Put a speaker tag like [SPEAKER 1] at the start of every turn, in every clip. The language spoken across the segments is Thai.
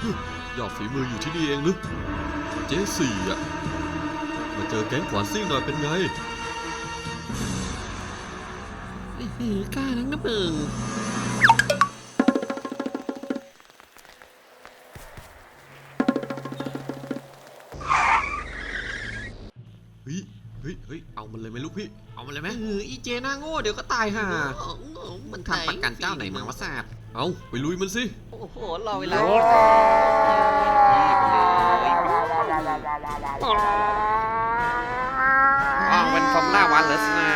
[SPEAKER 1] ยอดฝีมืออยู่ที่นี่เองหรือเจสี่อ่ะมาเจอแก๊งขวานซิ่งหน่อยเป็นไงกล้านักนะมึงเฮ้ยเอามันเลยไหมลูกพี่เอามันเลยไหมอีเจน่าโง่เดี๋ยวก็ตายห่ามันทำประกันเจ้าไหนมาวะศาสตร์เอาไปลุยมันสิ
[SPEAKER 2] โอ้โหรอเวลา
[SPEAKER 3] เป็นฟอร์มูล่าวันเหรอสนา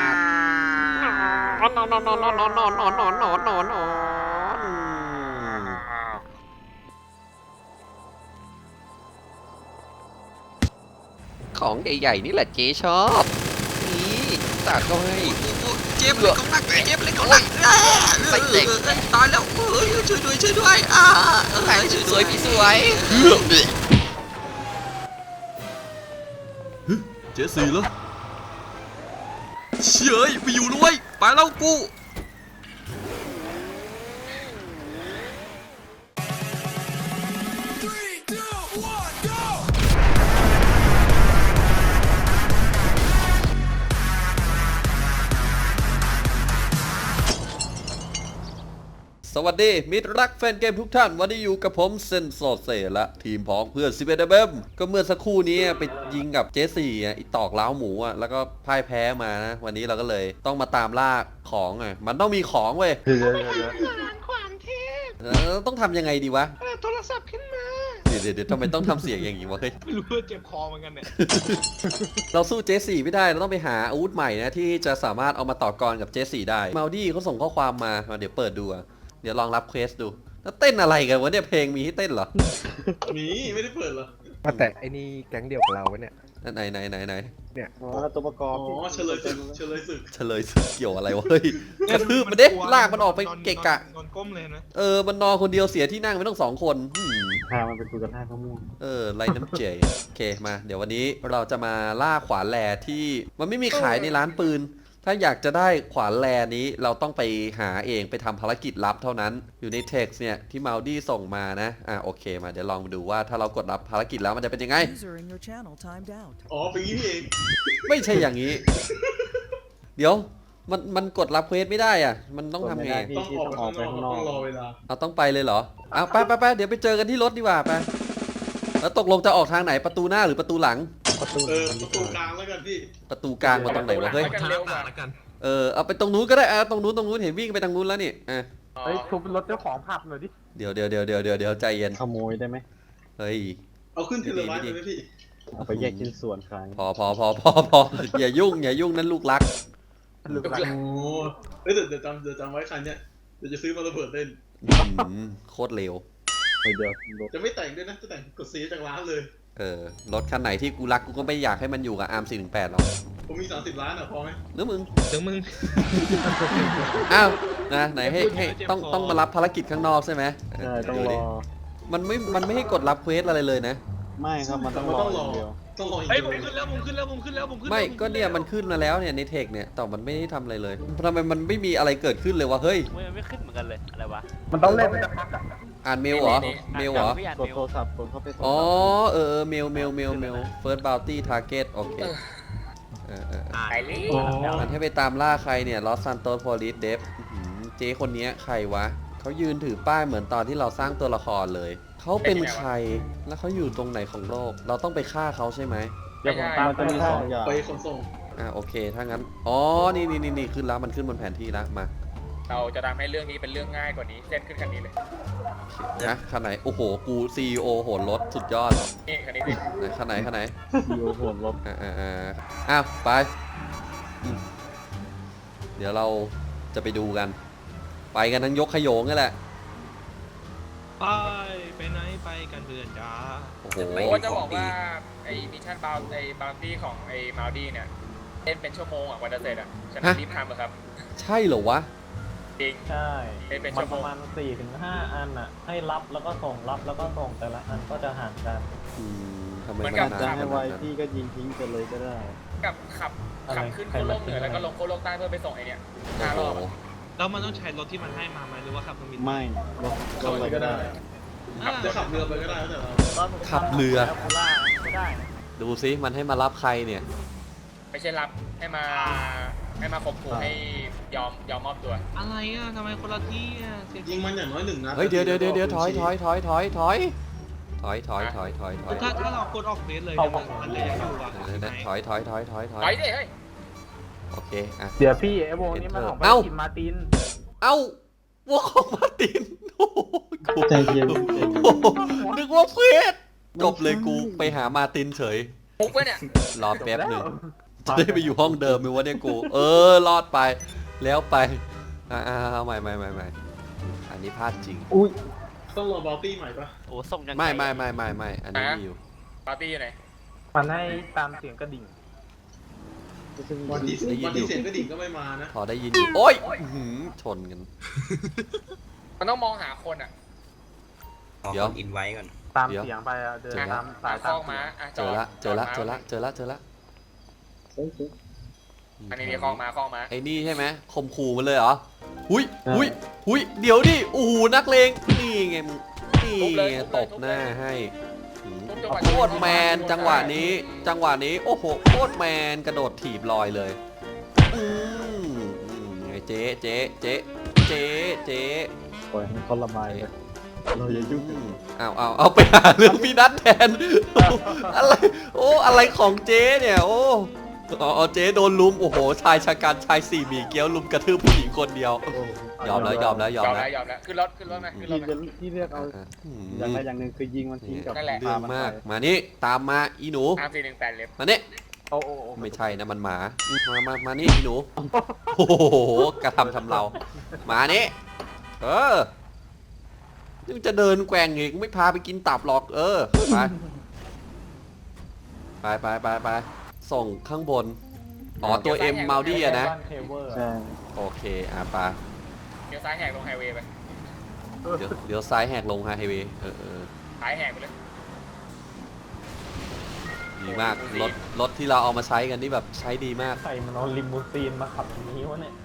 [SPEAKER 3] ของใหญ่ๆนี่แหละเจ๊ชอบนี่ตัดก็ให้
[SPEAKER 1] เจ็บเลยของหนักเจ็บเลยของหนักใส่เด็กตายแล้วช่วยด้วยช่วยด้วย
[SPEAKER 3] สวยพี่สวย
[SPEAKER 1] เจสี่เหรอเฉยไปอยู่ด้วยไปแล้วกูสวัสดีมิตรรักแฟนเกมทุกท่านวันนี้อยู่กับผมเซนโซเซและทีมพ้องเพื่อน11เบมก็เมื่อสักครู่นี้ไปยิงกับเจสี่อีตอกล้าวหมูแล้วก็พ่ายแพ้มานะวันนี้เราก็เลยต้องมาตามล่าของมันต้องมีของเว้ยต้องทำยังไงดีวะ
[SPEAKER 4] โทรศัพท์ขึ้นมา
[SPEAKER 1] เดี๋ยวทำไมต้องทำเสียงอย่างนี้วะเฮ้ย
[SPEAKER 4] ไม่รู้ว่าเจ็บคอเหมือนกันเนี่ย
[SPEAKER 1] เราสู้เจสี่ไม่ได้เราต้องไปหาอาวุธใหม่นะที่จะสามารถเอามาต่อกรกับเจสี่ได้มาลดี้เขาส่งข้อความมาเดี๋ยวเปิดดูเดี๋ยวลองรับเควสดูแล้วเต้นอะไรกันวะเนี่ยเพลงมีให้เต้นเหรอ
[SPEAKER 4] มีไม่ได้เปิดเหรอ
[SPEAKER 5] แต่ไอ้นี่แก๊งเดียวกับเราเนี่ย
[SPEAKER 1] ไหน
[SPEAKER 5] เนี่ย
[SPEAKER 4] ตัวประกอบเฉลยศึก
[SPEAKER 1] เกี่ยวอะไรวะเฮ้ยกระทืบมันเด็ลากมันออกไปเกะกะ
[SPEAKER 4] นอนก้มเลยนะ
[SPEAKER 1] มันนอนคนเดียวเสียที่นั่งไม่ต้อง2 คน
[SPEAKER 5] พามันเป็นตัวกระท่าข้าวม่วง
[SPEAKER 1] ไรน้ำเจโอเคมาเดี๋ยววันนี้เราจะมาล่าขวานแลที่มันไม่มีขายในร้านปืนถ้าอยากจะได้ขวานแลนี้เราต้องไปหาเองไปทำภารกิจลับเท่านั้นอยู่ในเท็กซ์เนี่ยที่มาลดี้ส่งมานะโอเคมาเดี๋ยวลองดูว่าถ้าเรากดรับภารกิจแล้วมันจะเป็นยังไง
[SPEAKER 4] อ๋อเป็นงี้เอง
[SPEAKER 1] ไม่ใช่อย่างนี้เดี๋ยวมันกดรับเควสไม่ได้มันต้องทำไง
[SPEAKER 4] ต้องออกไปข้างนอกต้องรอเวลา
[SPEAKER 1] ต้องไปเลยเหรอไปเดี๋ยวไปเจอกันที่รถดีกว่าไปแล้วตกลงจะออกทางไหนประตูหน้าหรือประตูหลัง
[SPEAKER 4] ประตูกลางแล้วกันพี่
[SPEAKER 1] ประตูกลางมาตรงไหนวะเฮ้ยเอาไปตรงนู้นก็ได้ตรงนู้นเห็นวิ่งไปทางนู้นแล้วนี่
[SPEAKER 5] เฮ้ยทุบรถเจ้าของผับหน่อยดิ
[SPEAKER 1] เดี๋ยวใจเย็น
[SPEAKER 5] ขโมยได้ไหไหม
[SPEAKER 1] เฮ้ย
[SPEAKER 4] เอาขึ้นเทเลไวท์เลยพี่
[SPEAKER 5] เอาไปแยกชิ้นส่วนขาย
[SPEAKER 1] พออย่ายุ่งนั่นลูกรัก
[SPEAKER 4] โอ้เดี๋ยวจำไว้คันเนี้ยเดี๋ยวจะซื้อมาระเบิดเล่น
[SPEAKER 1] โคตรเร็ว
[SPEAKER 5] เดี๋ยว
[SPEAKER 4] จะไม่แต่งด้วยนะจะแต่งกดซีจากร้านเลย
[SPEAKER 1] รถคันไหนที่กูรักกูก็ไม่อยากให้มันอยู่กับอาร์ม418หรอก
[SPEAKER 4] ผมมี30 ล้านพอไหม
[SPEAKER 1] หรือมึง
[SPEAKER 5] อ้
[SPEAKER 1] าวนะไหนให้ต้องมารับภารกิจข้างนอกใช่ไหม
[SPEAKER 5] ใช่ต้องรอ
[SPEAKER 1] มันไม่ให้กดรับเควสอะไรเลยนะ
[SPEAKER 5] ไม่ครับมันต้องรอเดียว
[SPEAKER 4] เฮ้ยผมขึ้นแล้ว
[SPEAKER 1] ไม่ก็เนี่ยมันขึ้นมาแล้วเนี่ยในเทคเนี่ยแต่มันไม่ได้ทำอะไรเลยทำไมมันไม่มีอะไรเกิดขึ้นเลยวะเฮ้ย
[SPEAKER 2] ไม่ขึ้นเหมือนกันเลยอะไรวะ
[SPEAKER 5] มันต้องเล่น
[SPEAKER 1] อ่านเมลเหรอก
[SPEAKER 5] ดโทรศัพท์กดเข้าไป
[SPEAKER 1] อ๋อเมลFirst Bounty Target โอเคมันให้ไปตามล่าใครเนี่ยLos Santos Police Dev เจ๊คนนี้ใครวะเขายืนถือป้ายเหมือนตอนที่เราสร้างตัวละครเลยเขาเป็นใครแล้วเขาอยู่ตรงไหนของโลกเราต้องไปฆ่าเขาใช่ไหม
[SPEAKER 5] เดี๋ยวผมตาม
[SPEAKER 4] ไปขนส่ง
[SPEAKER 1] โอเคถ้างั้นนี่ขึ้นแล้วมันขึ้นบนแผนที่แล้วมา
[SPEAKER 6] เราจะทำให้เรื่องนี้เป็นเรื่องง่ายกว่านี้เส้นขึ้นคันนี้เลย
[SPEAKER 1] นะคันไหนโอ้โหกู CEO โหนรถสุดยอด
[SPEAKER 6] นี่คันนี้สิ
[SPEAKER 1] คันไหน
[SPEAKER 5] CEO โหนรถ
[SPEAKER 1] ไปเดี๋ยวเราจะไปดูกันไปกันทั้งยกขโยงนี่แหละ
[SPEAKER 4] ไปไหนไปกันเพื่อนจ้า
[SPEAKER 1] โอ้โห
[SPEAKER 6] ก็จะบอกว่าไอ้มิชชั่นบาวตี้ของไอ้มาลดี้เนี่ยเล่นเป็นชั่วโมงกว่าจะเสร็จฉะนั้นรีบทำเลยครับ
[SPEAKER 1] ใช่เหรอวะ
[SPEAKER 6] จริง
[SPEAKER 5] ใช่
[SPEAKER 6] มัน
[SPEAKER 5] ประมาณ 4-5 อันให้รับแล้วก็ส่งรับแล้วก็ส่งแต่ละอันก็จะห่างกัน
[SPEAKER 1] ทำไม
[SPEAKER 5] มันจะให้ไวที่ก็ยิงทิ้งไปเลยก็ได้
[SPEAKER 6] กับขับขึ้นโคโลกเหนือแล้วก็ลงโคโลกใต้เพื่อไปส่งไอ้เนี่ย5 รอบ
[SPEAKER 4] แล้วมันต้องใช้รถที่มันให้มาไหมหรือว่าขับเครื่องบิน
[SPEAKER 5] ไม่รถอะไรก็ได้
[SPEAKER 4] จะขับเรือไปก็ได้แล้วแต่เรา
[SPEAKER 5] ตอนผม
[SPEAKER 1] ขับเรือ
[SPEAKER 5] แล้วกูล่าไม่ได้นะ
[SPEAKER 1] ดูซิมันให้มารับใครเนี่ย
[SPEAKER 6] ไม่ใช่รับให้มาข่มขู่ให้ยอมมอบตัว
[SPEAKER 2] อะไรอ่ะทำไมคนละที่อ่ะเสีย
[SPEAKER 4] ยิงมันอย่างน้อย1 นัด
[SPEAKER 1] เฮ้ยเดี๋ยวถอย
[SPEAKER 2] ถ้าเรากดออกเบสเลยเนี่ยมันเลยยังอยู่อ่ะ
[SPEAKER 1] ถอย
[SPEAKER 6] ไปดิเฮ้ย
[SPEAKER 1] โอเคอ่ะ
[SPEAKER 5] เดี๋ยวพี่ไอ้วงนี้มันออกไป
[SPEAKER 1] เอ้า
[SPEAKER 5] กินมาร์ติน
[SPEAKER 1] เอ้าวัวของมาร์ตินโอ้โหกู
[SPEAKER 4] ใจเย็น
[SPEAKER 1] โอ้โหนึกว่าเฟสจบเลยกูไปหามาร์ตินเฉย
[SPEAKER 6] มุกไปเนี่ย
[SPEAKER 1] รอแป๊บหนึ่งจะได้ไปอยู่ห้องเดิมไหมวะเนี่ยกู รอดไปแล้วไปเอาใหม่อันนี้พลาดจริง
[SPEAKER 5] อุ้ย
[SPEAKER 4] ต้องรอบอลตี้ใหม่ปะ
[SPEAKER 2] โอ้ส่งยังไง
[SPEAKER 1] ไม่อันนี้มีอยู่
[SPEAKER 6] ปาร์ตี้อยู่ไหน
[SPEAKER 5] มันให้ตามเสียงกระดิ่ง
[SPEAKER 4] วันที่เสียงกระดิ่งก็ไม่มานะ
[SPEAKER 1] พอได้ยินอยู่โอ้ยอื้อหือชนกัน
[SPEAKER 6] มันต้องมองหาคนอ่ะ
[SPEAKER 1] เดี๋ยว
[SPEAKER 7] อินไว้ก่อน
[SPEAKER 5] ตาม
[SPEAKER 1] เดี๋ยว
[SPEAKER 5] เสียงไปอะเดิน
[SPEAKER 1] เจอละ
[SPEAKER 5] ตามสาย
[SPEAKER 6] ค
[SPEAKER 5] ตา
[SPEAKER 6] ล้
[SPEAKER 5] ม
[SPEAKER 6] องม้าอ่ะ
[SPEAKER 1] เจอละ
[SPEAKER 6] อันนี้มีคล้องม้า
[SPEAKER 1] ไอ้นี่ใช่ไหมข่มขู่มันเลยเหรอหุยเดี๋ยวดิโอ้โหนักเลงนี่ไงมึงนี่ไงตบหน้าให้โคตรแมนจังหวะนี้โอ้โหโคตรแมนกระโดดถีบลอยเลยไงเจ๊
[SPEAKER 5] ปล่อยให้เขาระบายไปเราอย่ายุ่ง
[SPEAKER 1] เอาไปหาเรื่องพี่นัทแทนอะไรของเจ๊เนี่ยโอ้เจ๊โดนลุมโอ้โหชายชะกันชายสี่หมี่เกี๊ยวลุมกระทืบผู้หญิงคนเดียว ยอมแล้ว
[SPEAKER 6] ขึ้นรถไหม
[SPEAKER 5] ที่เรียกเอาอย่างใดอย่างหนึ่งคือยิงมันทิ้งกับ
[SPEAKER 6] นั่นแหละ
[SPEAKER 1] เรื่องมากมานี่ตามมาอีหนู
[SPEAKER 6] 3418เล็บ
[SPEAKER 1] มานี่
[SPEAKER 5] โอ้
[SPEAKER 1] ไม่ใช่นะมันหมามานี่อีหนูโอ้โหกระทำเรามานี่ยังจะเดินแกว่งอีกไม่พาไปกินตับหรอกไปส่งข้างบนตัวเอ็มมัลดี้อะนะ
[SPEAKER 5] บ้านเทเวอร์
[SPEAKER 1] โอเคไป
[SPEAKER 6] เดี๋ยวซ้ายแหกลงไฮเวย์ไป
[SPEAKER 1] เดี๋ยวซ้ายแหกลงไฮเวย์
[SPEAKER 6] ซ้ายแหกไปเลย
[SPEAKER 1] ดีมากรถที่เราเอามาใช้กันนี่แบบใช้ดีมาก
[SPEAKER 5] ใครมันเอาลิมูซีนมาขับอย่างนี้วะเนี่ย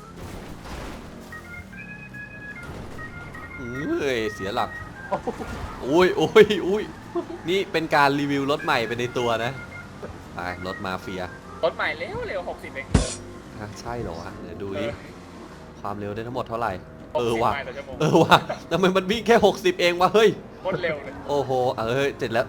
[SPEAKER 1] เสียหลักอุ้ยนี่เป็นการรีวิวรถใหม่ไปในตัวนะไปรถมาเฟีย
[SPEAKER 6] รถใหม่เร็ว60เอง
[SPEAKER 1] ใช่เหรอวะเดี๋ยวดูดิความเร็วได้ทั้งหมดเท่าไหร่
[SPEAKER 6] 60
[SPEAKER 1] ว่ะ
[SPEAKER 6] ไมล์ต่อชั่วโมง
[SPEAKER 1] ว่ะทำไมมันวิ่งแค่60เองวะเฮ้ย
[SPEAKER 6] โคตรเร็วเลย
[SPEAKER 1] โอ้โหเจ็ดแล้ว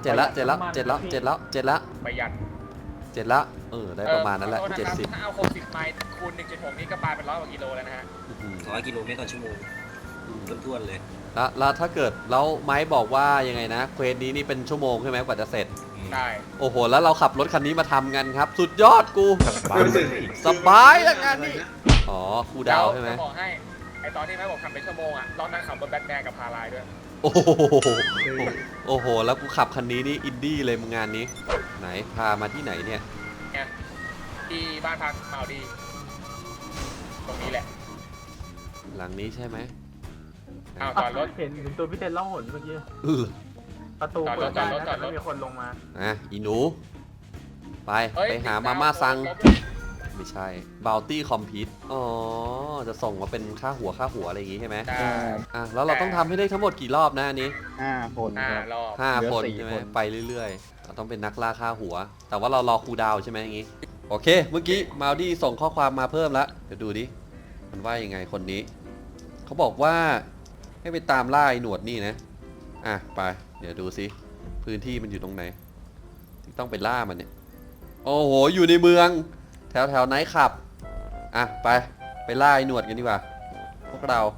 [SPEAKER 6] ประหยัด
[SPEAKER 1] ได้ประมาณนั้นแหละ
[SPEAKER 6] ขอโทษนะครับ
[SPEAKER 1] 70
[SPEAKER 6] ถ้าเอา60ไมล์คูณ 1.6 นี่ก็ปาเป็น100 กว่ากิโลแล้วนะฮะ
[SPEAKER 7] 100 กิโลเมตรต่อชั่วโมงท้วนๆเลย
[SPEAKER 1] แล้วถ้าเกิดแล้วไม้บอกว่ายังไงนะเควสนี้นี่เป็นชั่วโมงใช่ไหมกว่าจะเสร็จ
[SPEAKER 6] ได้
[SPEAKER 1] โอ้โหแล้วเราขับรถคันนี้มาทำกันครับ สุดยอดกูสบายอย่างนั้นนี่ครูดาวใช่ไหม
[SPEAKER 6] จะบอกให้ไอตอนที่แม่บอกทำเป็นชั่วโมงอ่ะตอนนั้นขับบนแบทแมนกับพาลายด้วย
[SPEAKER 1] โอ้โหแล้วกูขับคันนี้นี่อินดี้เลยมึงงานนี้ไหนพามาที่ไหนเนี่ย
[SPEAKER 6] เนี่ยที่บ้านพักมาดีตรงนี้แหละ
[SPEAKER 1] หลังนี้ใช่ไหม
[SPEAKER 6] เอาจอดรถ
[SPEAKER 5] เห็นตัวพี่เทนล่องหนเมื่อกี้
[SPEAKER 1] อื้อ
[SPEAKER 5] ประตูเปิดได้
[SPEAKER 6] จอดรถ
[SPEAKER 5] แต่ไม่มีคนลงมา
[SPEAKER 1] อีหนูไป
[SPEAKER 6] เฮ้ย
[SPEAKER 1] ไปหามาม่าซังไม่ใช่บาวตี้คอมพิวจะส่งมาเป็นค่าหัวอะไรอย่างงี้ใช่ไหม
[SPEAKER 6] ได้
[SPEAKER 1] แล้วเราต้องทำให้ได้ทั้งหมดกี่รอบนะอันนี้
[SPEAKER 7] 5 คน
[SPEAKER 6] รอบ
[SPEAKER 1] 5 คนใช่ไหมไปเรื่อยๆเราต้องเป็นนักล่าค่าหัว แต่ว่าเรารอครูดาวใช่ไหมอย่างงี้โอเคเมื่อกี้มาดี้ส่งข้อความมาเพิ่มแล้วเดี๋ยวดูดิมันว่ายังไงคนนี้เขาบอกว่าให้ไปตามล่าไอ้หนวดนี่นะไปเดี๋ยวดูซิพื้นที่มันอยู่ตรงไหนที่ต้องไปล่ามันเนี่ยโอ้โหอยู่ในเมืองแถวไนท์คลับไปล่าไอ้หนวดกันดีกว่าพวกเรา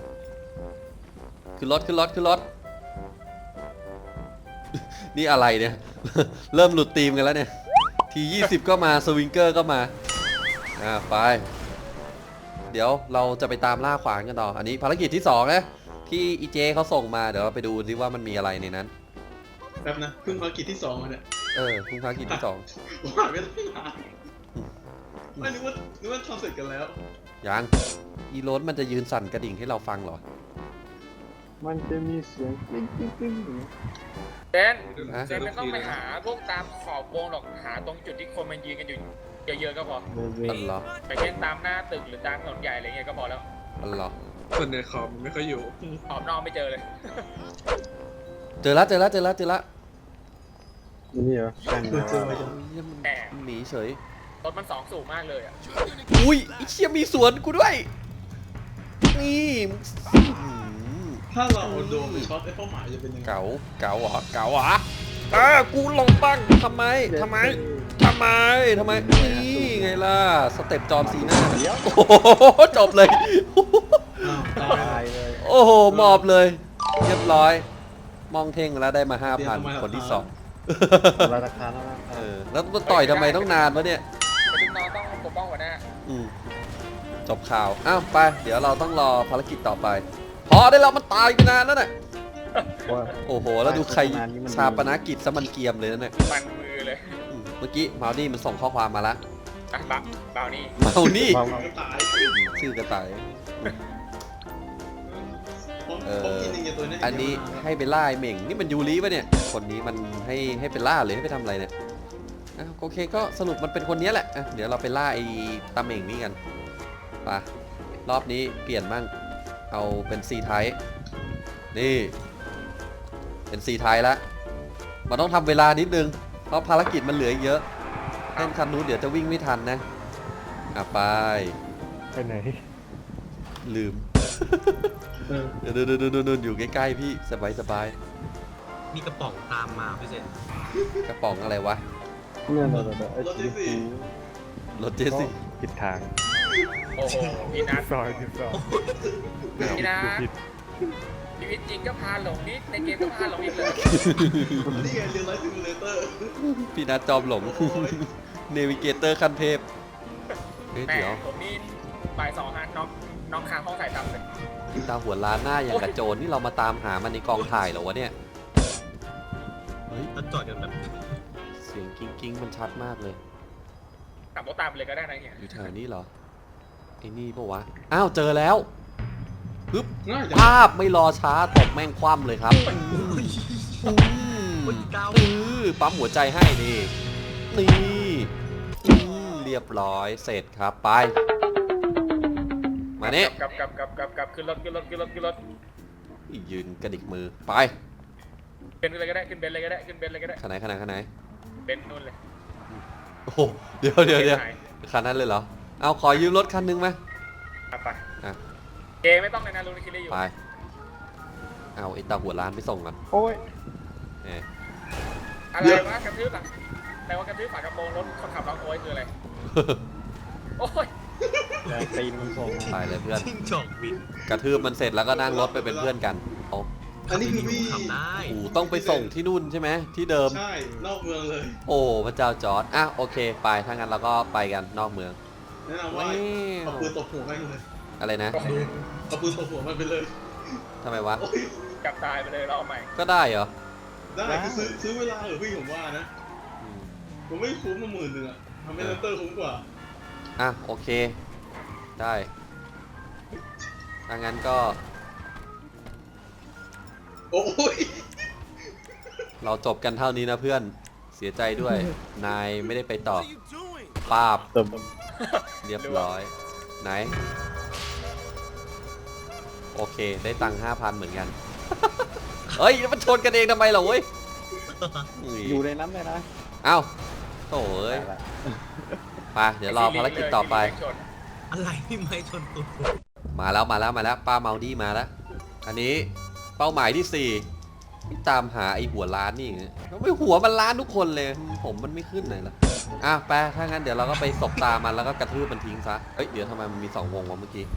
[SPEAKER 1] ขึ้นรถ นี่อะไรเนี่ย เริ่มหลุดธีมกันแล้วเนี่ยที20ก็มาสวิงเกอร์ก็มาไปเดี๋ยวเราจะไปตามล่าขวานกันต่ออันนี้ภารกิจที่2นะที่อีเจเขาส่งมาเดี๋ยวเราไปดูดิว่ามันมีอะไรในนั้น
[SPEAKER 4] แป๊บนะเพิ่งภารกิจที่2มาเนี่ย
[SPEAKER 1] คุณภารกิจที่2
[SPEAKER 4] ผ่านไปตั้งนานไม่นึกว่าทำเสร็จกันแล้ว
[SPEAKER 1] ยังอีโรสมันจะยืนสั่นกระดิ่งให้เราฟังเหรอ
[SPEAKER 5] มันจะมีเสียงกริ๊งกริ๊งกริ๊ง
[SPEAKER 6] เจนไม่ต้องไปหาพวกตามขอบวงหรอกหาตรงจุดที่คนมันยืนกันอยู่เยอะๆก็พอ
[SPEAKER 1] อันเหรอ
[SPEAKER 6] ไปเช่นตามหน้าตึกหรือตามถนนใหญ่อะไรเงี้ยก็พอแล้ว
[SPEAKER 1] อันเหรอ
[SPEAKER 4] คนในคอมไม่ค่อยอยู่
[SPEAKER 6] ออกนอกไม่เจอเลย
[SPEAKER 1] เจอละเจอละเจอละเจอละ
[SPEAKER 5] นี่เหรอแข่ง
[SPEAKER 4] เจอไหม
[SPEAKER 1] เหี้ยมัน
[SPEAKER 6] แหม
[SPEAKER 1] หนีเฉย
[SPEAKER 6] รถมัน2สูงมากเลยอ่ะ
[SPEAKER 1] อุ้ยไอ้เชี่ยมีสวนกูด้วย นี่อื้อหือ
[SPEAKER 4] ถ้าเราเอาโดมไปช็อตไอ้เป้าหมายจะเป็นยังไง
[SPEAKER 1] เก๋าเก๋าเหรอเก๋าเหรอกูลงตั้งทำไมทำไมทำไมทำไมนี่ไงล่ะสเต็ปจอมซีน่าโอ้โหจบเลย
[SPEAKER 4] อ้าวตาย
[SPEAKER 5] ตายเลย
[SPEAKER 1] โอ้โหมอบเลย เรียบร้อย มองเท่งแล้วได้มา 5,000 คนที่สอง
[SPEAKER 5] ราคาแล้วนะ
[SPEAKER 1] แล้วต่อยทำไมต้องนานวะเนี่ย
[SPEAKER 6] แต่ลูกน้องต้องปกป้องหัวหน้า
[SPEAKER 1] อืมจบข่าว อ้าวไป เดี๋ยวเราต้องรอภารกิจต่อไป พอได้แล้วมันตายไปนานแล้วน่ะ
[SPEAKER 5] ว่า
[SPEAKER 1] โอ้โห แล้วดูใครชาปนกิจซะมันเกรียมเลยนะเนี่ย
[SPEAKER 6] มันมือเลย
[SPEAKER 1] เมื่อกี้มาดี้มันส่งข้อความมาละ
[SPEAKER 6] อ่ะเบานี่
[SPEAKER 1] เมานี่
[SPEAKER 4] ก็ตาย
[SPEAKER 1] ชื่อกระต่าย
[SPEAKER 4] ผมกินอย่างเงี้ยตัวเนี้ย
[SPEAKER 1] อันนี้ให้ไปล่าไอ้เหม่ง นี่มันยูริปะเนี่ย คนนี้มันให้ไปล่าหรือให้ไปทำอะไรเนี่ยอ่ะโอเคก็สรุปมันเป็นคนนี้แหละอ่ะเดี๋ยวเราไปล่าไอ้ตาเหม่งนี่กันไปรอบนี้เปลี่ยนบ้างเอาเป็นซีไทป์นี่เป็นซีไทป์ละมันต้องทำเวลานิดนึงเพราะภารกิจมันเหลืออีกเยอะเล่นคันนู้นเดี๋ยวจะวิ่งไม่ทันนะอ่ะไป
[SPEAKER 5] ไปไหน
[SPEAKER 1] ลืม เดี๋ยวอยู่ใกล้ๆพี่สบาย
[SPEAKER 7] มีกระป๋องตามมาพี่เซน
[SPEAKER 1] กระป๋องอะไรวะ
[SPEAKER 5] เนี่ยไอ้
[SPEAKER 4] รถที่สี่
[SPEAKER 1] รถเจสซี่
[SPEAKER 5] ผิดทาง
[SPEAKER 6] โอ้โหพี่นัท
[SPEAKER 5] ซอยผิดซอย
[SPEAKER 6] พี่นัทชีวิตจริงก็พาหลงนี่ในเกมก็พาหลงอีกเลย
[SPEAKER 4] นี่ไงเรียลไลท์ซิมูเลเตอร์
[SPEAKER 1] พี่นัทจอมหลง เนวิเกเตอร์ขั้นเทพเฮ้ย
[SPEAKER 6] แหม่
[SPEAKER 1] เดี๋ยว
[SPEAKER 6] ผมนี่บ่ายสองฮะน้องค้างห้องถ่ายทำเลย
[SPEAKER 1] ตาหัวล้านหน้าอย่างกระโจนนี่เรามาตามหามันในกองถ่ายเหรอวะเนี่ยเฮ้ย
[SPEAKER 7] แล้วจอดกันแบบ
[SPEAKER 1] เสียงกิ้งมันชัดมากเลย
[SPEAKER 6] ขับรถตามไปเลยก็ได้นะเนี่ย
[SPEAKER 1] อยู่แถวนี้เหรอไอ้นี่ปะวะอ้าวเจอแล้วปึ๊บ
[SPEAKER 4] ง่ายจัง
[SPEAKER 1] ภาพไม่รอช้าตบแม่งคว่ำเลยครับปั๊มหัวใจให้นี่เรียบร้อยเสร็จครับไปมาเนี่ย
[SPEAKER 6] กลับขึ้นรถ
[SPEAKER 1] ยืนกระดิกมือไป
[SPEAKER 6] เป็นเลยก็ได้ขึ้นเบนเลยก็ได้ขึ้นเบนเลยก็ได้
[SPEAKER 1] ขนาดไหน
[SPEAKER 6] เบนนู่นเลย
[SPEAKER 1] โอ้โหเดี๋ยวคันนั้นเลยเหรอเอาขอยืมรถคันนึงไหม
[SPEAKER 6] ไป
[SPEAKER 1] อ่ะ
[SPEAKER 6] เกไม่ต้องเลยนะลุงคิดเลยอยู่
[SPEAKER 1] ไปเอาไอ้ตาหัวล้านไปส่งก่อน
[SPEAKER 5] โอ้ย
[SPEAKER 1] เออ
[SPEAKER 6] อะไรวะกระทืบหลังแต่ว่ากระทืบฝากระโปรงรถคนขับร้องโอยคืออะไรโอ้ย
[SPEAKER 5] แต่ตีนมันส่ง
[SPEAKER 1] ไปเลยเพื่อน
[SPEAKER 7] จิ้งจอกบิน
[SPEAKER 1] กระทืบมันเสร็จแล้วก็นั่งรถไปเป็นเพื่อนกันเอา
[SPEAKER 4] อันนี้คือพี่
[SPEAKER 7] ขับได้
[SPEAKER 1] โอ้โหต้องไปส่งที่นู่นใช่ไหมที่เดิม
[SPEAKER 4] ใช่นอกเมืองเลย
[SPEAKER 1] โอ้พระเจ้าจอร์ดอ่ะโอเคไปถ้างั้นเราก็ไปกันนอกเมือง
[SPEAKER 4] แนะนำว่าเอาปืนตบหัวมันเลย
[SPEAKER 1] อะไรนะ
[SPEAKER 4] เอาปืนตบหัวมันไปเลย
[SPEAKER 1] ทำไมวะ
[SPEAKER 4] โอ้ย
[SPEAKER 6] กลับตายไปเลยเราเอาใหม่
[SPEAKER 1] ก็ได้เหรอ
[SPEAKER 4] ได้คือซื้อเวลาเหรอพี่ผมว่านะ
[SPEAKER 1] อืม
[SPEAKER 4] ผมไม่คุ้มมา10,000อ่ะทำให้เลนเตอร์คุ้มกว่า
[SPEAKER 1] อ่ะโอเค ได้ถ้างั้นก็
[SPEAKER 4] โอ้ย
[SPEAKER 1] เราจบกันเท่านี้นะเพื่อนเสียใจด้วย นายไม่ได้ไปต่อป้าบ
[SPEAKER 5] เติม
[SPEAKER 1] เรียบร้อยไหน โอเคได้ตังค์ 5,000 เหมือนกัน เฮ้ยแล้วมันชนกันเองทำไมเหรอเว้ยอุ้ย
[SPEAKER 5] อยู่ในนั้นเลยนะ
[SPEAKER 1] เอ้าโถ่เอ้ยไปเดี๋ยวรอภารกิจต่อไป
[SPEAKER 7] อะไรที่ไม่ชนตูด
[SPEAKER 1] มาแล้วป้าเมาดี้มาแล้ว อันนี้เป้าหมายที่4ตามหาไอ้หัวล้านนี่ไม่หัวมันล้านทุกคนเลย ผมมันไม่ขึ้นเลยล่ะอ่ะไปถ้างั้นเดี๋ยวเราก็ไปสบตามันแล้วก็กระทืบมันทิ้งซะเอ้ยเดี๋ยวทำไมมันมี2 วงวะเมื่อกี้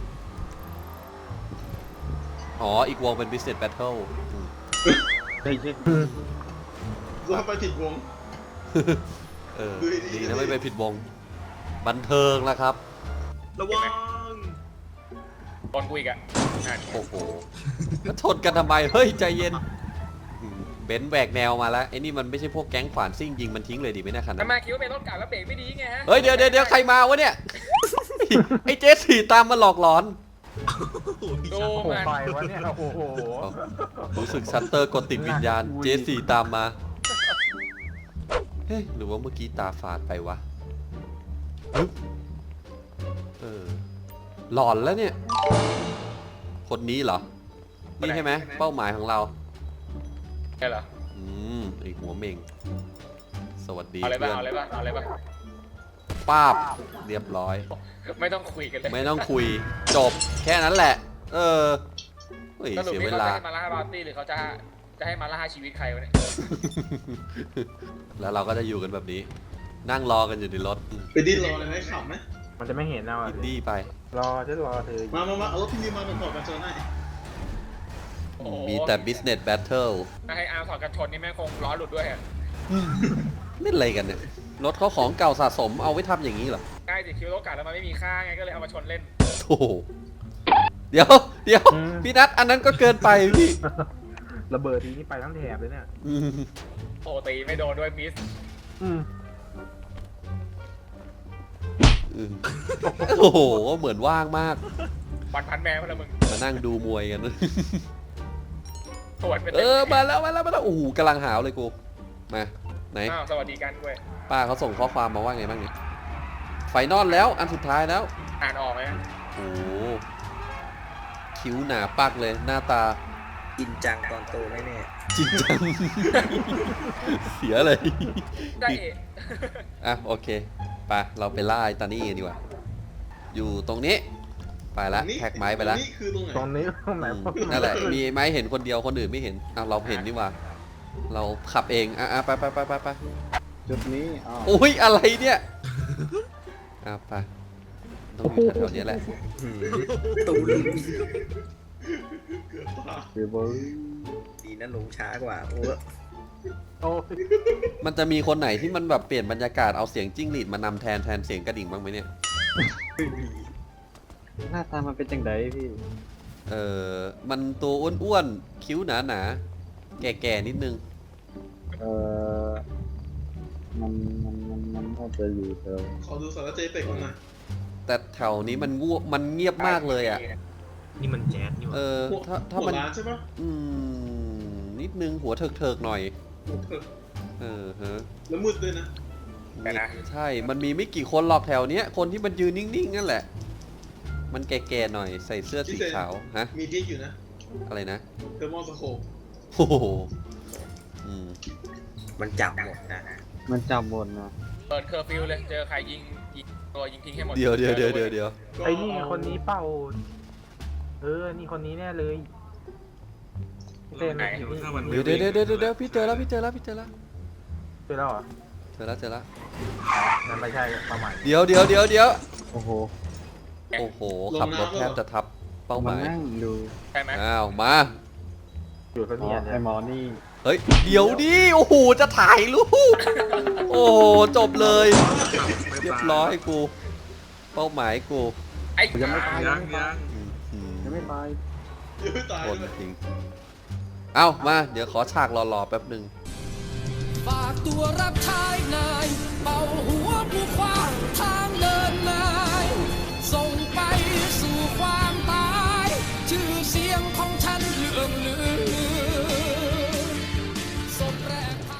[SPEAKER 1] อ๋ออีกวงเป็น business battle
[SPEAKER 5] ใช่ใช่
[SPEAKER 4] เราไปผิดวง
[SPEAKER 1] เออดีนะไม่ไปผิดวงบันเทิงแล้วครับ
[SPEAKER 7] ระวัง
[SPEAKER 6] ตอนกูอีกอ่ะนั่น
[SPEAKER 1] โอ้โหแล้วชนกันทำไม เฮ้ย ใจเย็นเบนซ์แหวกแนวมาแล้ว ไอ้นี่มันไม่ใช่พวกแก๊งขวานซิ่งยิงมันทิ้งเลยดิไม่น่าขนาด
[SPEAKER 6] ทำไมคิดว่าเป็นรถเก่าแล้วเบรกไม่ดีไงฮะ
[SPEAKER 1] เฮ้ย เดี๋ยวใครมาวะเนี่ย ไอ้เจสสี่ตามมาหลอกหลอน
[SPEAKER 6] ดู
[SPEAKER 5] โอ้โห
[SPEAKER 6] มัน
[SPEAKER 5] ไปวะเนี่ยโอ้โห
[SPEAKER 1] รู้สึกชัตเตอร์กดติดวิญญาณ เจสสี่ตามมา เฮ้ย หรือว่าเมื่อกี้ตาฝาดไปวะฮึบหลอนแล้วเนี่ยคนนี้เหรอ นี่ใช่ไหมเป้าหมายของเรา
[SPEAKER 6] ใช่เหรอ
[SPEAKER 1] ไอหัวเม่ง สวัสดี
[SPEAKER 6] เอาเลยป่ะ
[SPEAKER 1] เพื่อน
[SPEAKER 6] เอาเลยป่ะเอาเลยป่ะ
[SPEAKER 1] ป้าบเรียบร้อย
[SPEAKER 6] ไม่ต้องคุยกันเลย
[SPEAKER 1] ไม่ต้องคุยจบแค่นั้นแหละ เฮ้ย
[SPEAKER 6] สรุป
[SPEAKER 1] เสีย
[SPEAKER 6] นี่
[SPEAKER 1] เว
[SPEAKER 6] เขาจะ
[SPEAKER 1] ลา
[SPEAKER 6] ให้มาล่าบาร์ตี้หรือเขาจะให้มาล่าชีวิตใครวะเนี่ย
[SPEAKER 1] แล้วเราก็จะอยู่กันแบบนี้ นั่งรอกันอยู่ในรถ
[SPEAKER 4] ไปดิ้นรอเลยไหมขับไหม
[SPEAKER 5] มันจะไม่เห็นนะ
[SPEAKER 1] อินดี้ไป
[SPEAKER 5] รอจะรอเธอ
[SPEAKER 4] มาเอารถพี่นิวมาถอดกันชนให้
[SPEAKER 6] โอ้โห
[SPEAKER 1] มีแต่ business battle
[SPEAKER 6] ถ้าให้อาร์มถอดกันชนนี่แม่งคงล้อหลุดด้วยอะ
[SPEAKER 1] เล่นอะไรกันเนี่ย รถเขาของเก่าสะสมเอาไว้ทำอย่างนี้เหรอ
[SPEAKER 6] ใกล้สิคิวโลกาแล้วมันไม่มีค่าไงก็เลยเอามาชนเล่น
[SPEAKER 1] โอ้โหเดี๋ยวพี่นัทอันนั้นก็เกินไปพี่
[SPEAKER 5] ระเบิดทีนี้ไปทั้งแถบเลยเนี่ย
[SPEAKER 1] อืม
[SPEAKER 6] โอ้ตีไม่โดนด้วยมิส
[SPEAKER 5] อืม
[SPEAKER 1] อืมโอ้โหเหมือนว่างมาก
[SPEAKER 6] วันพันแม่พละมึง
[SPEAKER 1] มานั่งดูมวยกัน
[SPEAKER 6] ปวดเป็น
[SPEAKER 1] มาแล้วโอ้โหกำลังหาวเลยกูมาไหน
[SPEAKER 6] อ้าวสวัสดีกันด้วย
[SPEAKER 1] ป้าเขาส่งข้อความมาว่าไงบ้างเนี่ยไฟนอลแล้วอันสุดท้ายแล้ว
[SPEAKER 6] อ่านออกไหม
[SPEAKER 1] โอ้โหคิ้วหนาปักเลยหน้าตา
[SPEAKER 8] จรินจังตอนโตแน่
[SPEAKER 1] จริงจัง เสียเลย
[SPEAKER 6] ได้
[SPEAKER 1] อ่ะโอเคไปเราไปล่าไอ้ตานี่กันดีกว่า อยู่ตรงนี้ไปละแท็กไม้ไปละ
[SPEAKER 4] นี่คือตรงไหน
[SPEAKER 5] ตรงนี้ตรงไหน
[SPEAKER 1] นั่นแหละมีไม้เห็นคนเดียวคนอื่นไม่เห็นอ่ะเราเห็นดีกว่า เราขับเองอ่ะไป
[SPEAKER 5] จุดนี้อ๋อ
[SPEAKER 1] อุ้ยอะไรเนี่ยอ่ะไปต้องอยู่แถวๆนี้แหละ
[SPEAKER 8] ๆตูน
[SPEAKER 4] เกือบตาย
[SPEAKER 5] เบอร์
[SPEAKER 8] ดีนะลงช้ากว่าโอ้
[SPEAKER 5] โอ้ย
[SPEAKER 1] มันจะมีคนไหนที่มันแบบเปลี่ยนบรรยากาศเอาเสียงจิ้งหรีดมานำแทนเสียงกระดิ่งบ้างไหมเนี่ย
[SPEAKER 5] หน้าตามันเป็นจังไดพี่
[SPEAKER 1] มันตัวอ้วนๆคิ้วหนาๆแก่ๆนิดนึง
[SPEAKER 5] มันน่าจะอยู่แถว
[SPEAKER 4] ขอดูสารเจเป็กหน่อย
[SPEAKER 1] แต่แถวนี้มันเงียบมากเลยอ่ะ
[SPEAKER 7] นี่มันแจ๊สนี่หว่า
[SPEAKER 1] ถ้า
[SPEAKER 4] หัว
[SPEAKER 1] มัน
[SPEAKER 4] ร้านใช่ปะ
[SPEAKER 1] นิดนึงหัวเถิกๆหน่อย
[SPEAKER 4] เถอะ
[SPEAKER 1] ฮะ
[SPEAKER 4] แล้วมืดด้วยนะ
[SPEAKER 6] แต่นะ
[SPEAKER 1] ใช่ มันมีไม่กี่คนหรอกแถวเนี้ย คนที่มันยืนนิ่งๆนั่นแหละ มันแก่ๆหน่อยใส่เสื้อสีขาวฮะ
[SPEAKER 4] มีดิ๊กอยู่นะ
[SPEAKER 1] อะไรนะ
[SPEAKER 4] เทอร์โมสโคป
[SPEAKER 1] โอ้โหอืม
[SPEAKER 8] มันจับหมดนะ
[SPEAKER 5] มันจำบนนะ
[SPEAKER 6] เปิดเคอร์ฟิวเลยเจอใครยิงตัวยิงทิ้งให้หมด
[SPEAKER 1] เดี๋ยว
[SPEAKER 5] ไอ้นี่คนนี้เป้านี่คนนี้แน่เลยเต้น
[SPEAKER 6] ไหน
[SPEAKER 5] อยู่นี่
[SPEAKER 1] เดี๋ยวพี่เจอแล้ว
[SPEAKER 5] เจอแล้วเหรอ
[SPEAKER 1] เจอแล้ว
[SPEAKER 5] นั่นไม่ใช่ประมาณ
[SPEAKER 1] เดี๋ยว
[SPEAKER 5] โอ้โห
[SPEAKER 1] โอ้โห ขับรถแทบจะทับเป้าหมาย
[SPEAKER 6] ใช่ไหม
[SPEAKER 1] อ้าว มา
[SPEAKER 5] อยู่คนนี้ไอ้หมอนี่
[SPEAKER 1] เฮ้ย เดี๋ยวดิ โอ้โห จะถ่ายรูป โอ้โห จบเลย เรียบร้อยกู เป้าหมายกู
[SPEAKER 6] ไอ้
[SPEAKER 5] ยังไม่ตาย
[SPEAKER 1] อืม
[SPEAKER 5] ยังไม่ตาย
[SPEAKER 4] ยังไม่ตาย
[SPEAKER 1] คน
[SPEAKER 4] เลย
[SPEAKER 1] จริง เอ้า มา เดี๋ยวขอฉากหล่อๆแป๊บหนึ่ง
[SPEAKER 9] ฝากตัวรับใช้นาย เป่าหัวผู้ขวางทางเดินนาย ส่งไปสู่ความตาย ชื่อเสียงของฉันเลื่องลือสมแรงพา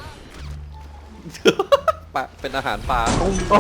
[SPEAKER 1] ปะเป็นอาหารปลา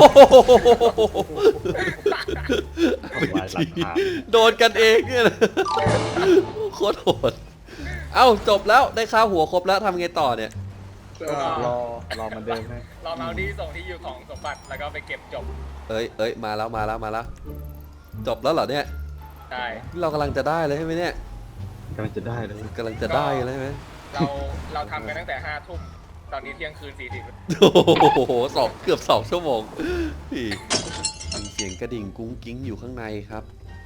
[SPEAKER 1] โดนกันเองเนี่ยนะโคตรโหด เอ้า จบแล้วได้ค่าหัวครบแล้วทำไงต่อเนี่ย
[SPEAKER 5] รอมันเดินให้
[SPEAKER 6] รอเมาดี้ส่งที่อยู่ของสมบัติแล้วก็ไปเก็บจบ
[SPEAKER 1] เอ้ย มาแล้ว จบแล้วเหรอเนี่ย
[SPEAKER 6] ได้
[SPEAKER 1] เรากำลังจะได้เลยใช่ไหมเนี่ย
[SPEAKER 5] กำลังจะได้เลย
[SPEAKER 1] กำลังจะได้เลยใช่ไหม
[SPEAKER 6] เราทำกันตั้งแต่5 ทุ่มตอนนี้เที่ยงคืน40
[SPEAKER 1] โอ้โหเกือบ2 ชั่วโมงพี่มีเสียงกระดิ่งกุ้งกิ้งอยู่ข้างในครับ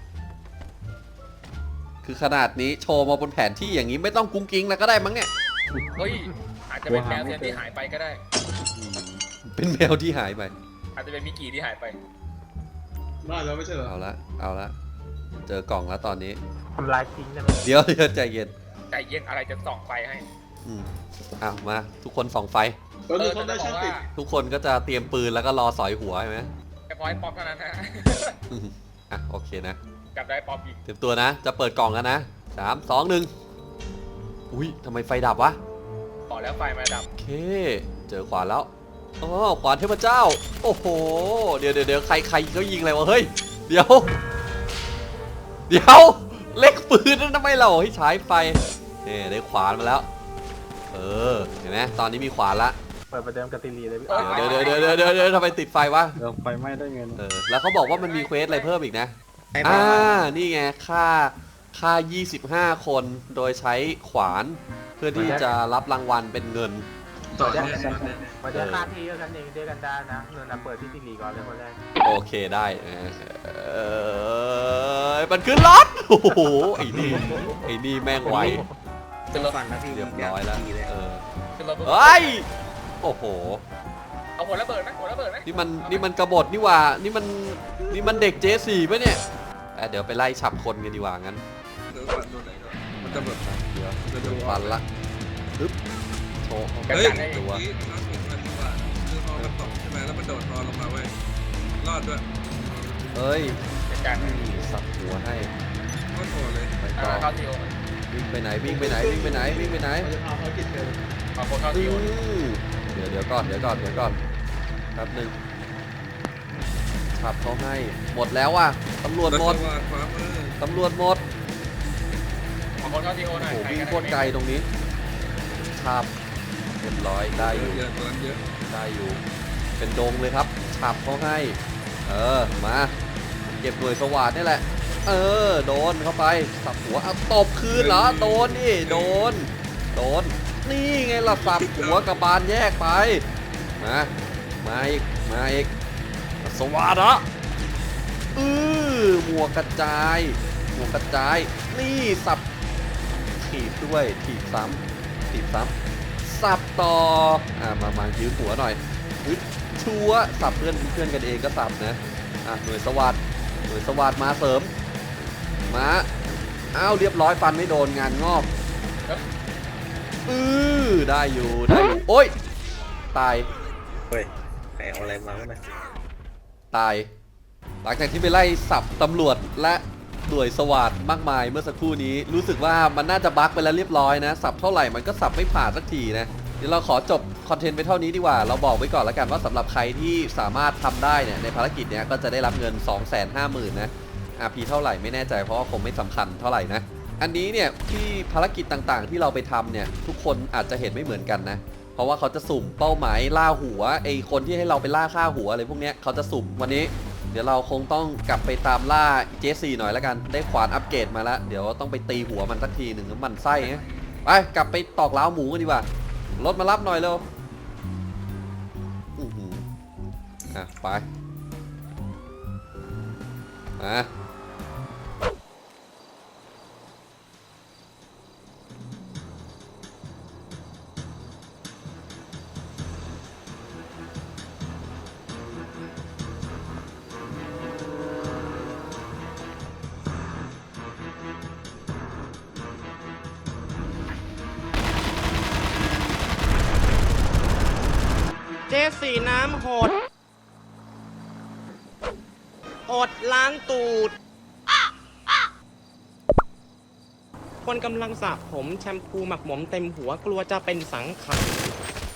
[SPEAKER 1] คือขนาดนี้โชว์มาบนแผนที่อย่างนี้ไม่ต้องกุ้งกิ้งแล้วก็ได้มั้งเนี่ย
[SPEAKER 6] เฮ้ยอาจจะเป็นแมวเซนที่หายไปก็ได้
[SPEAKER 1] เป็นแมวที่หายไป
[SPEAKER 6] อาจจะเป็นมิกกี้ที่หายไป
[SPEAKER 4] ได้แล้วไม่ใช่เหรอ
[SPEAKER 1] เอาละเจอกล่องแล้วตอนนี้
[SPEAKER 5] ทำลายทิ้งได้ไหม
[SPEAKER 1] เดี๋ยวใจเย็น
[SPEAKER 6] ใจเย็นอะไรจะส่องไฟให้
[SPEAKER 1] มาทุกคนส่องไฟ
[SPEAKER 4] ตอนนี้เขาได้ช่างติด
[SPEAKER 1] ทุกคนก็จะเตรียมปืนแล้วก็รอสอยหัวใช่ไหม
[SPEAKER 6] แค่พอยป๊อปเท่านั้นฮะ
[SPEAKER 1] โอเคนะ
[SPEAKER 6] จับได้ป๊อปอีก
[SPEAKER 1] เตรียมตัวนะ จะเปิดกล่องกันนะ3 2 1อุ้ยทำไมไฟดับวะ
[SPEAKER 6] ต่อแล้วไฟมาดับ
[SPEAKER 1] โอเค เจอขวานแล้วอ๋อขวานเทพเจ้า โอ้โห เดี๋ยวใครเขายิงอะไรวะ เฮ้ย เดี๋ยวเล็กปืนนั่นทำไมเราให้ใช้ไฟนี่ได้ขวานมาแล้ว เห็นไหมตอนนี้มีขวานละ
[SPEAKER 5] เปิดประเดิมกติลีเลยพี่
[SPEAKER 1] เดี๋ยวทำไมติดไฟวะ
[SPEAKER 7] ไฟไหม้ได้ไง
[SPEAKER 1] แล้วเขาบอกว่ามันมีเควสอะไรเพิ่มอีกนะ
[SPEAKER 8] ให้มา
[SPEAKER 1] นี่ไงค่า 25 คนโดยใช้ขวานเพื่อที่จะรับรางวัลเป็นเงิน
[SPEAKER 4] ต่อเนี่ย
[SPEAKER 5] มาเดี๋ยวค่าที่กันเองเดียวกันได้นะเนินนะเปิดที่ติลีก่อนเลยคนแรก
[SPEAKER 1] โอเคได้มันขึ้นรถโอ้โหไอ้นี่แม่งไว
[SPEAKER 8] ฟันนะพี่
[SPEAKER 1] เรียบร้อยแล้ว
[SPEAKER 8] ดีเลย
[SPEAKER 6] ขึ้นรถปุ๊บ
[SPEAKER 1] เฮ้ยโอ้โห
[SPEAKER 6] เอาหัวระเบิดไหมหัวระเบิดไหม
[SPEAKER 1] นี่มันกบฏนี่หว่านี่มันเด็กเจสี่ป่ะเนี่ยเดี๋ยวไปไล่ฉับคนกันดีกว่างั้น
[SPEAKER 4] เดี๋ยวฟันโดนไหนก่อนมันจะแบบ
[SPEAKER 1] เดี๋ยวฟันละปึ๊บโชว์
[SPEAKER 6] กัน
[SPEAKER 4] เฮ้ย
[SPEAKER 6] กันให้
[SPEAKER 1] ตัว
[SPEAKER 4] นี่น้องเห็นมันว่าคือพอมันตกใช่ไหมแล้วมันโดดพอลงมาเว้ยรอดด้วย
[SPEAKER 1] เอ้ย
[SPEAKER 6] กันกันให้
[SPEAKER 1] นี่สับหัวให้
[SPEAKER 4] โคตรโหดเลย
[SPEAKER 1] ไปต่อ
[SPEAKER 6] เข้าทีโอ
[SPEAKER 1] วิ่งไปไหนวิ่งไปไหน
[SPEAKER 4] เอาภารกิจเร็ว
[SPEAKER 6] เอาคนเข้าทีโอ
[SPEAKER 1] เดี๋ยวก่อนแป๊บหนึงขับเขาให้หมดแล้วอ่ะตำรวจหมด
[SPEAKER 4] ขวามือ
[SPEAKER 1] ตำรวจหมด
[SPEAKER 6] เอาคนเข้าทีโอหน่อย
[SPEAKER 1] โอ้โหวิ่งโคตรไกลตรงนี้ขับเรียบร้อยได้อยู่
[SPEAKER 4] เยอะตัวนั้นเยอะ
[SPEAKER 1] ได้อยู่ เป็นดงเลยครับฉับเขาให้ มาเก็บหน่วยสวัสดนี่แหละ โดนเข้าไปสับหัวเอาตบคืนเหรอโดนนี่โดนนี่ไงล่ะสับหัวกับบานแยกไปมาอีกสวัสดอ่ะหมวกกระจายนี่สับถีบด้วยถีบซ้ำสับต่อมายืมหัวหน่อยชัวสับเพื่อนกันเองก็สับนะหน่วยสวัสดมาเสริมมาเรียบร้อยฟันไม่โดนงานงอกได้อยู่โอ้ยตาย
[SPEAKER 8] เฮ้ยใครเอาอะไรมาวะเนี่ย
[SPEAKER 1] ตายหลังจากที่ไปไล่สับตำรวจและหน่วยสวัสดมากมายเมื่อสักครู่นี้รู้สึกว่ามันน่าจะบั๊กไปแล้วเรียบร้อยนะสับเท่าไหร่มันก็สับไม่ผ่านสักทีนะเดี๋ยวเราขอจบคอนเทนต์ไปเท่านี้ดีกว่าเราบอกไว้ก่อนแล้วกันว่าสำหรับใครที่สามารถทำได้เนี่ยในภารกิจเนี้ยก็จะได้รับเงิน 250,000 นะRP เท่าไหร่ไม่แน่ใจเพราะว่าคงไม่สำคัญเท่าไหร่นะอันนี้เนี่ยที่ภารกิจต่างๆที่เราไปทำเนี่ยทุกคนอาจจะเห็นไม่เหมือนกันนะเพราะว่าเขาจะสุ่มเป้าหมายล่าหัวไอคนที่ให้เราไปล่าฆ่าหัวอะไรพวกเนี้ยเขาจะสุ่มวันนี้เดี๋ยวเราคงต้องกลับไปตามล่าเจสซี่หน่อยแล้วกันได้ขวานอัปเกรดมาแล้วเดี๋ยวต้องไปตีหัวมันสักทีหนึ่งมันไส้ไงไปกลับไปตอกล้าวหมูกันดีกว่ารถมารับหน่อยเร็วไป
[SPEAKER 10] เจสสีน้ำหด อดล้างตูด คนกำลังสระผมแชมพูหมักหมมเต็มหัวกลัวจะเป็นสังขาร